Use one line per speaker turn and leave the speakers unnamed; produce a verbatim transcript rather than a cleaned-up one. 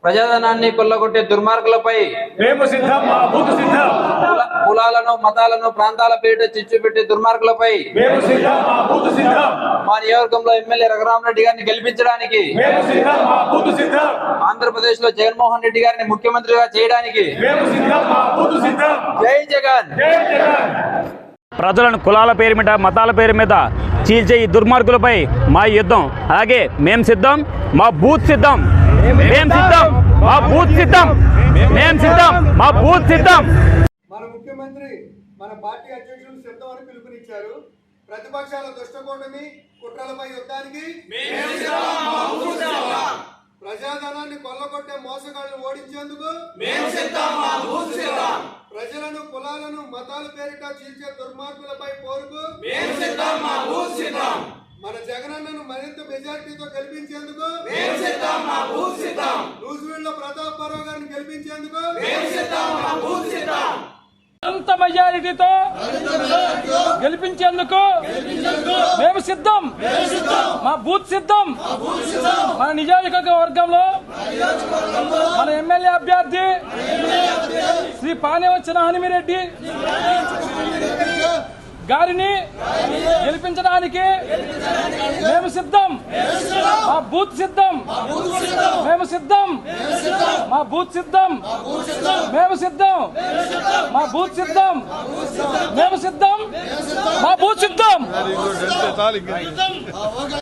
ప్రజాధనాన్ని కొల్లగొట్టే దుర్మార్గులపై
మేము సిద్ధం, మా బూతు సిద్ధం.
కులాలను మతాలను ప్రాంతాల పేరిట చిచ్చు పెట్టే దుర్మార్గులపై
మేము సిద్ధం, మా బూతు సిద్ధం.
మా నియోజకవర్గంలో ఎమ్మెల్యే రఘురామరెడ్డి గారిని గెలిపించడానికి
మేము సిద్ధం, మా బూతు సిద్ధం.
ఆంధ్రప్రదేశ్ లో జగన్మోహన్ రెడ్డి గారిని ముఖ్యమంత్రిగా చేయడానికి
మేము సిద్ధం, మా బూతు సిద్ధం.
జై జగన్.
జై జగన్.
ప్రజలను కులాల పేరు మీద మతాల పేరు మీద చీల్చే ఈ దుర్మార్గులపై మా యుద్ధం. అలాగే మేం సిద్ధం, మా బూత్ సిద్ధం. మేం సిద్ధం, మా బూత్ సిద్ధం. మేం సిద్ధం, మా బూత్ సిద్ధం.
మన ముఖ్యమంత్రి మన పార్టీ అధ్యక్షులు సిద్ధం అని పిలుపునిచ్చారు. ప్రతిపక్షాల దుష్టకూటమి కుట్రలపై యుద్ధానికి, ప్రజాధనాన్ని కొల్లగొట్టే మోసగాళ్లను ఓడించేందుకు, ప్రజలను కులాలను మతాల పేరిట చీల్చే దుర్మార్గులపై పోరుకు, మన జగనన్నను మరింత మెజారిటీతో గెలిపించేందుకు, నూజివీడులో ప్రతాప్ పర్వ గారిని గెలిపించేందుకు
అంత మెజారిటీతో గెలిపించేందుకు మేము సిద్ధం. మా బూత్ సిద్ధం. మన నియోజకవర్గంలో మన ఎమ్మెల్యే అభ్యర్థి శ్రీ పానేవచ్చిన హనుమిరెడ్డి గారిని గెలిపించడానికి మేము సిద్ధం. మా బూత్ సిద్ధం. మేము సిద్ధం. మా బూత్ సిద్ధం. మేము సిద్ధం. మా బూత్ సిద్ధం. మేము సిద్ధం. మా బూత్ సిద్ధం.